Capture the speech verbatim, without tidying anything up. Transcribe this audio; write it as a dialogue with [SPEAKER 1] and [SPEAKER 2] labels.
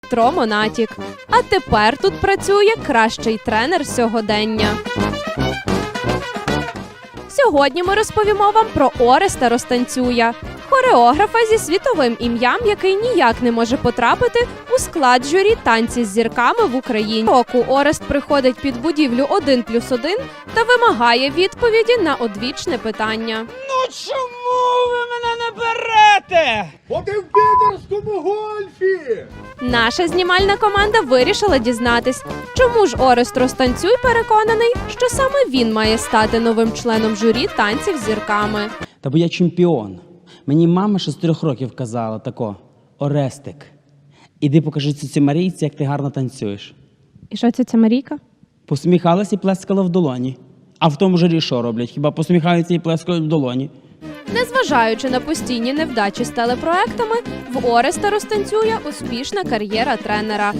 [SPEAKER 1] Дмитро Монатік. А тепер тут працює кращий тренер сьогодення. Сьогодні ми розповімо вам про Ореста Розтанцюя, хореографа зі світовим ім'ям, який ніяк не може потрапити у склад журі «Танці з зірками» в Україні. Року Орест приходить під будівлю один плюс один та вимагає відповіді на одвічне питання.
[SPEAKER 2] Ну чому ви мене не берете?
[SPEAKER 3] Бо ти в підерському гольфі!
[SPEAKER 1] Наша знімальна команда вирішила дізнатись, чому ж Орест Розтанцюй переконаний, що саме він має стати новим членом журі «Танців з зірками».
[SPEAKER 2] Та бо я чемпіон. Мені мама ще з трьох років казала тако: Орестик, іди покажи цій Марійці, як ти гарно танцюєш.
[SPEAKER 1] І що це ця Марійка?
[SPEAKER 2] Посміхалась і плескала в долоні. А в тому журі що роблять? Хіба посміхаються і плескають в долоні?
[SPEAKER 1] Незважаючи на постійні невдачі з телепроектами, в Ореста Розтанцюя успішна кар'єра тренера.